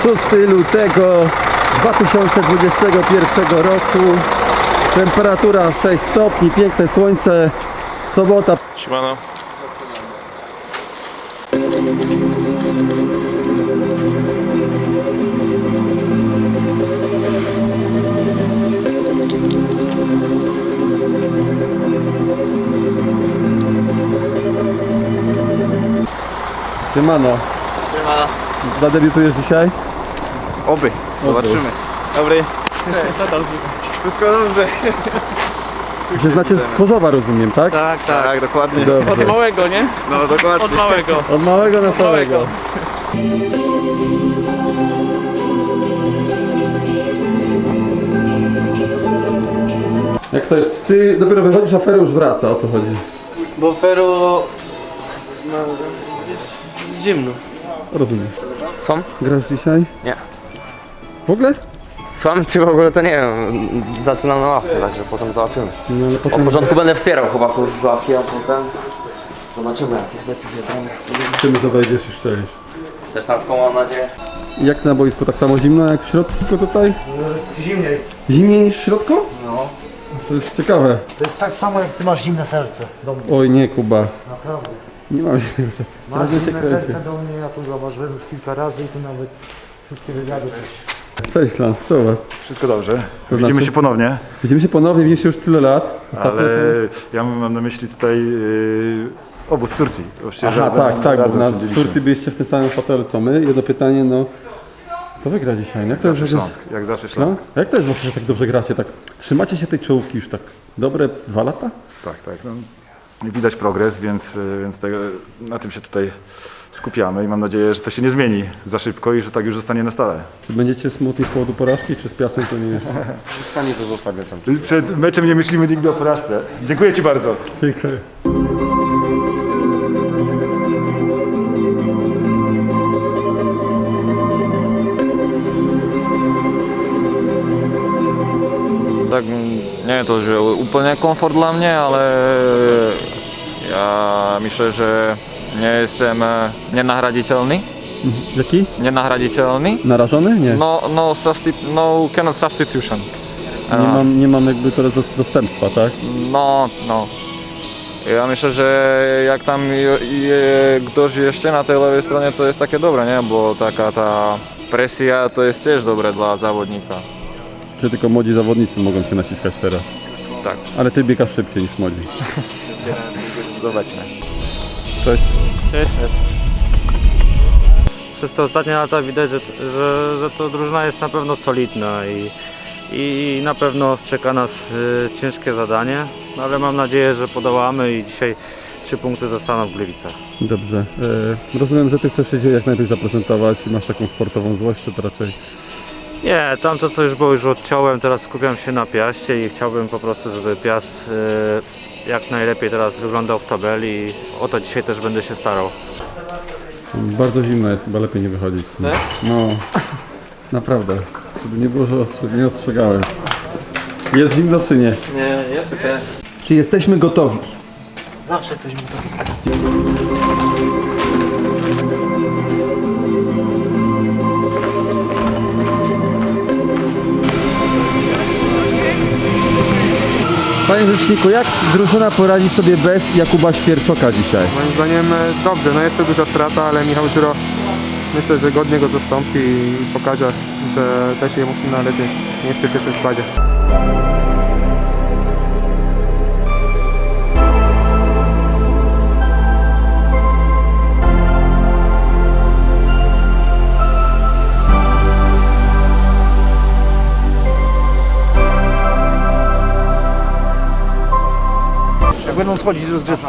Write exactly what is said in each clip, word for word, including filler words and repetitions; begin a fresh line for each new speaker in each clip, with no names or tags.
szóstego lutego dwa tysiące dwudziestego pierwszego roku. Temperatura sześć stopni, piękne słońce, sobota.
Siemano.
Siemano.
Siemano.
Zadebiutujesz dzisiaj?
Oby. Zobaczymy. Dobry. Wszystko dobrze.
Się znacie z Chorzowa, rozumiem, tak?
Tak, tak, tak, dokładnie.
Dobrze.
Od małego, nie?
No dokładnie.
Od małego.
Od małego na całego. Jak to jest? Ty dopiero wychodzisz, a Feru już wraca, o co chodzi?
Bo Fero... No, jest zimno.
Rozumiem.
Są?
Grasz dzisiaj?
Nie.
W ogóle?
Są czy w ogóle to nie wiem. Zaczynam na ławce, także potem zobaczymy.
No ale
Od
potem...
początku będę wspierał chłopaków z ławki, a potem zobaczymy jakie decyzje tam.
Czym zawejdziesz i szczelisz?
Też taką mam nadzieję.
Jak na boisku? Tak samo zimno jak w środku tutaj?
Zimniej.
Zimniej niż w środku?
No.
To jest ciekawe.
To jest tak samo jak ty masz zimne serce do mnie.
Oj nie, Kuba.
Naprawdę.
Nie mam zimnego serca.
Masz
Bardzo cię
zimne
kręci.
serce do mnie, ja tu zauważyłem już kilka razy i tu nawet wszystkie wywiady też.
Cześć Lans, co u was?
Wszystko dobrze.
To
Widzimy
znaczy?
się ponownie,
Widzimy się ponownie, widzieliście się już tyle lat. Ostatnio
ale
to...
ja mam na myśli tutaj yy, obóz w Turcji. Właściwie
Aha,
razem-
tak, tak, bo
razem
na, w
siedzieliśmy.
Turcji byliście w tym samym hotelu co my. Jedno pytanie, no... Kto wygra dzisiaj? Jak to jest,
Zawsze
że...
Śląsk, jak zawsze Śląsk.
Śląsk? Jak to jest w ogóle, że tak dobrze gracie? Tak trzymacie się tej czołówki już tak dobre dwa lata?
Tak, tak. No, nie widać progres, więc, yy, więc tego, na tym się tutaj skupiamy i mam nadzieję, że to się nie zmieni za szybko i że tak już zostanie na stałe.
Czy będziecie smutni z powodu porażki, czy z piasem to nie jest?
Przed meczem nie myślimy nigdy o porażce. Dziękuję Ci bardzo.
Dziękuję.
Tak, nie to, że úplne komfort dla mnie, ale ja myślę, że nie jestem nenahraditeľný.
Jaki?
Nenahraditeľný.
Narażony? Nie.
No, no, substi- no cannot substitution.
Nie mam, nie mam jakby teraz dostępstwa, tak?
No, no. Ja myślę, że jak tam je, je ktoś jeszcze na tej lewej stronie, to jest takie dobre, nie? Bo taka ta presja to jest też dobre dla zawodnika.
Czy tylko młodzi zawodnicy mogą cię naciskać teraz?
Tak.
Ale ty biegasz szybciej niż młodzi.
Zobaczmy.
Cześć.
Cześć. Przez te ostatnie lata widać, że, że, że to drużyna jest na pewno solidna i, i na pewno czeka nas y, ciężkie zadanie, no, ale mam nadzieję, że podołamy i dzisiaj trzy punkty zostaną w Gliwicach.
Dobrze. E, rozumiem, że ty chcesz się jak najlepiej zaprezentować i masz taką sportową złość, czy to raczej...
Nie, tamto co już było, już odciąłem, teraz skupiam się na Piaście i chciałbym po prostu, żeby Piast y, jak najlepiej teraz wyglądał w tabeli i o to dzisiaj też będę się starał.
Bardzo zimno jest, chyba lepiej nie wychodzić. No, no naprawdę. Żeby nie było, że ostrze- nie ostrzegałem. Jest zimno czy nie?
Nie, jest okej.
Czy jesteśmy gotowi?
Zawsze jesteśmy gotowi.
Panie Rzeczniku, jak drużyna poradzi sobie bez Jakuba Świerczoka dzisiaj?
Moim zdaniem e, dobrze, no jest to duża strata, ale Michał Żyro myślę, że godnie go zastąpi i pokaże, że też jemu się należy miejsce w pierwszym składzie.
Jak będą schodzić z rozgrywki.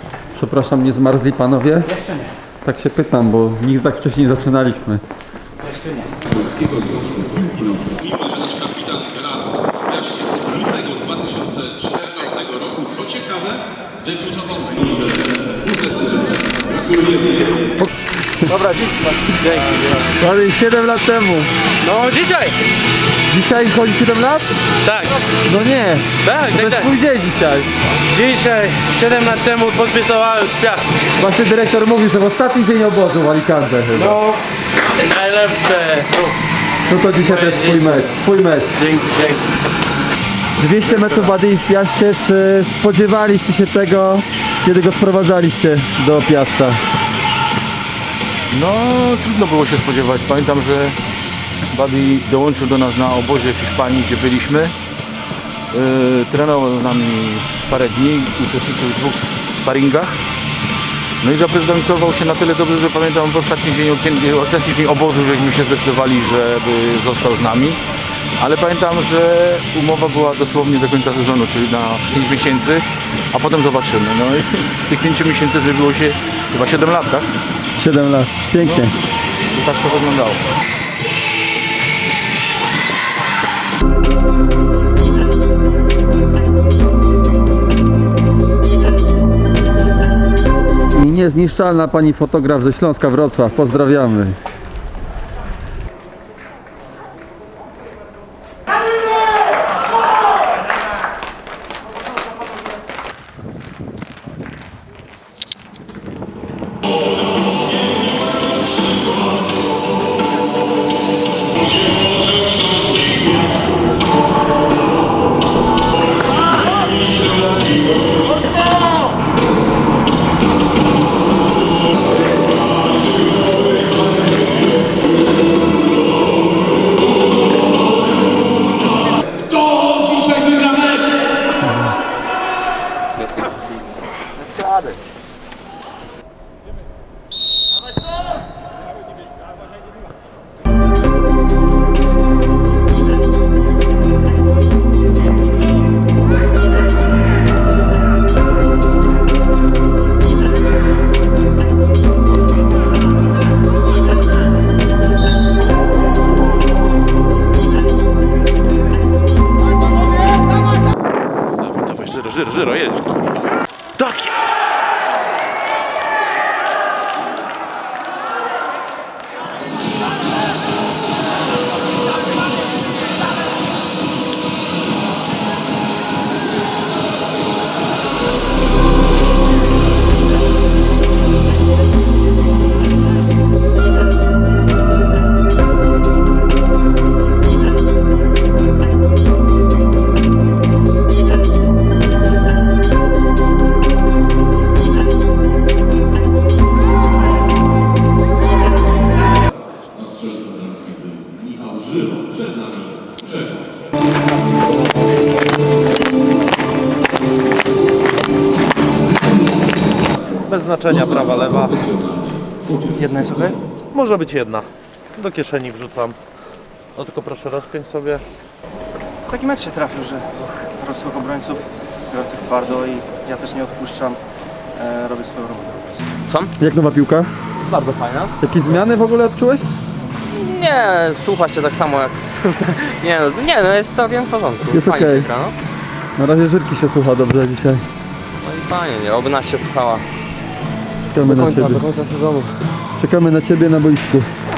Przepraszam, nie zmarzli panowie? Jeszcze nie. Tak się pytam, bo nigdy tak wcześniej nie zaczynaliśmy.
Polskiego Związku Piłki Nożnej. Mimo, że nasz kapitan gra w Piaście od lutego dwa tysiące czternastego roku, co ciekawe, debiutował w lidze dwusetnym rocznym. Gratulujemy.
Dobra, dzięki. Dzięki.
Ale siedem lat temu.
No dzisiaj!
Dzisiaj chodzi siedem lat?
Tak,
No nie.
tak,
To
tak,
jest
tak.
twój dzień dzisiaj.
Dzisiaj, siedem lat temu podpisałem z Piast.
Właśnie dyrektor mówił, że w ostatni dzień obozu w Alicante chyba.
No, najlepsze.
No to dzisiaj to jest twój mecz. Twój mecz.
Dzięki, dzięki.
dwieście meczów Badii w Piaście. Czy spodziewaliście się tego, kiedy go sprowadzaliście do Piasta?
No, trudno było się spodziewać. Pamiętam, że Buddy dołączył do nas na obozie w Hiszpanii, gdzie byliśmy. Yy, trenował z nami parę dni, uczestniczył w dwóch sparingach. No i zaprezentował się na tyle dobrze, że pamiętam w ostatni dzień, okien- ostatni dzień obozu, żeśmy się zdecydowali, żeby został z nami. Ale pamiętam, że umowa była dosłownie do końca sezonu, czyli na pięć miesięcy, a potem zobaczymy. No i z tych pięciu miesięcy zrobiło się chyba siedem lat, tak?
siedem lat. Pięknie.
I tak to wyglądało.
I niezniszczalna pani fotograf ze Śląska Wrocław. Pozdrawiamy.
Zero, zero, zero, jedź. Tak!
Bez znaczenia, prawa, lewa.
Jedna jest okej?
Może być jedna. Do kieszeni wrzucam. No tylko proszę rozpiąć sobie.
Taki mecz się trafił, że dwóch dorosłych obrońców grających twardo i ja też nie odpuszczam. E, robię swoją robotę.
Jak nowa piłka?
Bardzo fajna.
Jakieś zmiany w ogóle odczułeś?
Nie, słucha się tak samo jak... nie, no, nie, no jest całkiem w porządku.
Jest
Fajnie
okej.
się gra, no.
Na razie Żyrki się słucha dobrze dzisiaj.
No i fajnie, nie? Oby nas się słuchała
Czekamy
do
na
końca,
ciebie.
do końca sezonu.
Czekamy na ciebie na boisku.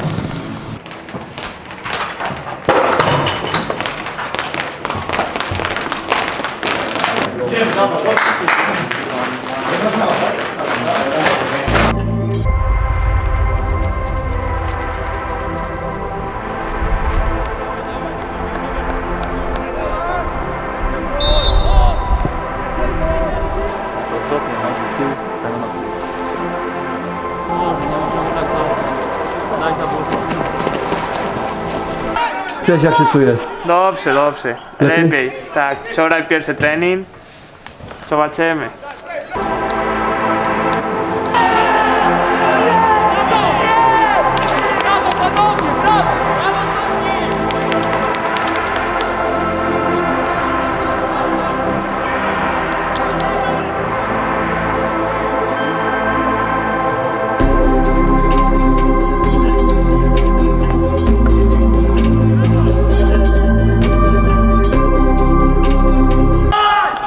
Cześć, jak się czujesz?
Dobrze, dobrze.
Lepiej?
Lepiej. Tak, wczoraj pierwszy trening. Zobaczymy.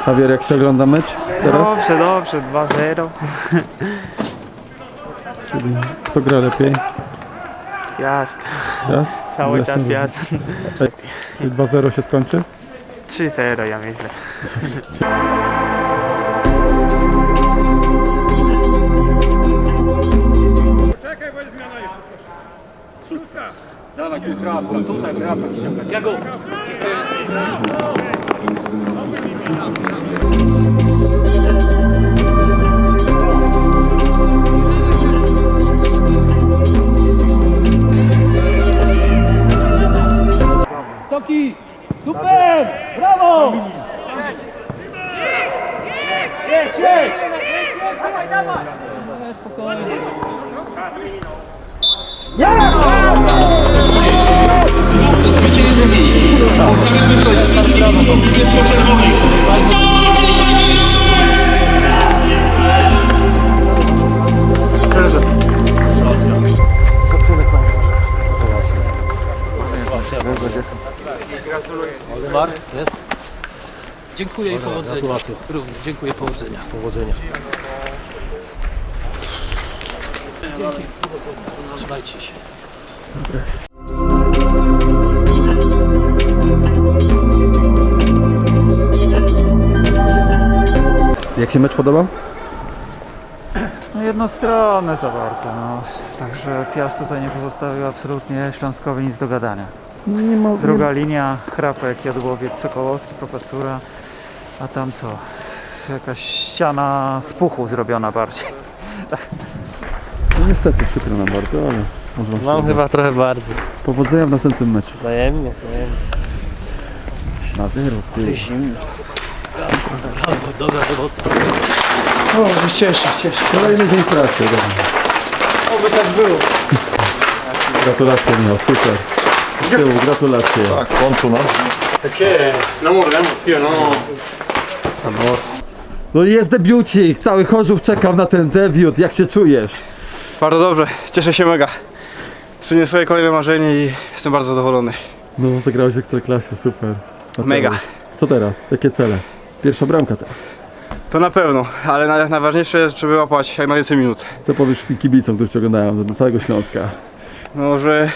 Javier, jak się ogląda mecz teraz?
Dobrze, dobrze, dwa zero.
Czyli kto gra lepiej?
Jasne.
Jas?
Cały
Jasne,
czas
że-
jasne.
Czyli dwa zero się skończy?
trzy zero ja myślę.
Soki! Super! Brawo! Jedź, jedź! Spokojnie.
Waldemar, jest? Dziękuję i powodzenia. Również dziękuję, powodzenia. Powodzenia. Trzymajcie się.
Jak się mecz podobał?
No jednostronne za bardzo, no. Także Piast tutaj nie pozostawił absolutnie Śląskowi nic do gadania.
No nie ma...
Druga linia, Chrapek, Jadłowiec, Sokołowski, Profesura, a tam co? Jakaś ściana z puchu zrobiona bardziej.
No niestety przykro nam bardzo, ale może wam się
Mam
uda.
chyba trochę bardzo.
Powodzenia w następnym meczu.
Wzajemnie, wzajemnie.
Na zero z tyłu.
Brawo, dobra robota.
O, cieszę, cieszę. Kolejny dzień pracy.
Oby tak było.
Gratulacje, Michał, super. Z tyłu, gratulacje.
Tak, w końcu, no.
Che, no mordemos, tío, no.
No i jest debiucik, cały Chorzów czekał na ten debiut, jak się czujesz?
Bardzo dobrze, cieszę się mega. Spełniłem swoje kolejne marzenie i jestem bardzo zadowolony.
No, zagrałeś w Ekstraklasie, super. Mateusz,
Mega.
Co teraz? Jakie cele? Pierwsza bramka teraz.
To na pewno, ale naj- najważniejsze jest, żeby łapać jak najwięcej minut.
Co powiesz wszystkim kibicom, którzy cię oglądają, do całego Śląska?
No, że...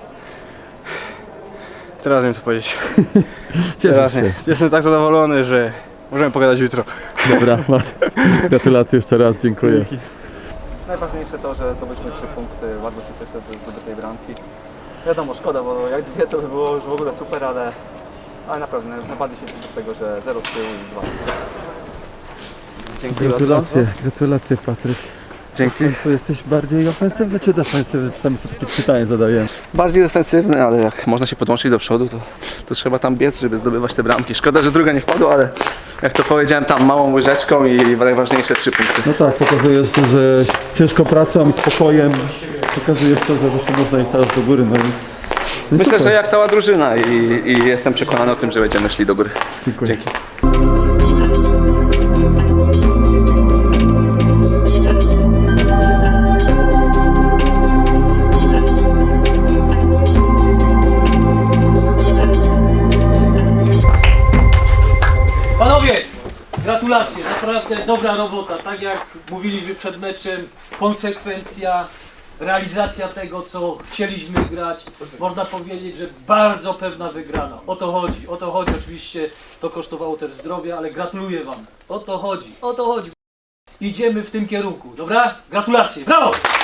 Teraz nie wiem co powiedzieć.
Cieszysz
Teraz
się.
nie. Jestem tak zadowolony, że możemy pogadać jutro.
Dobra, Mat. Gratulacje jeszcze raz, dziękuję.
Najważniejsze to, że zdobyliśmy trzy punkty, bardzo się cieszę z zdobytej bramki. Wiadomo, szkoda, bo jak dwie to by było już w ogóle super, ale, ale naprawdę najbardziej się cieszę z tego, że zero z tyłu i dwa. Dziękuję
Gratulacje, gratulacje Patryk.
Dzięki.
Co, jesteś bardziej ofensywny czy defensywny? Czasami sobie takie pytania zadaję.
Bardziej defensywny, ale jak można się podłączyć do przodu, to, to trzeba tam biec, żeby zdobywać te bramki. Szkoda, że druga nie wpadła, ale jak to powiedziałem, tam małą łyżeczką i najważniejsze trzy punkty.
No tak, pokazujesz to, że ciężką pracą i spokojem pokazujesz to, że jeszcze można iść coraz do góry. No i, no i
Myślę,
super.
że jak cała drużyna i, i jestem przekonany o tym, że będziemy szli do góry.
Dziękuję.
Dzięki.
Panowie, gratulacje, naprawdę dobra robota. Tak jak mówiliśmy przed meczem, konsekwencja, realizacja tego, co chcieliśmy grać. Można powiedzieć, że bardzo pewna wygrana. O to chodzi, o to chodzi. Oczywiście to kosztowało też zdrowia, ale gratuluję wam. O to chodzi, o to chodzi. Idziemy w tym kierunku, dobra? Gratulacje, brawo!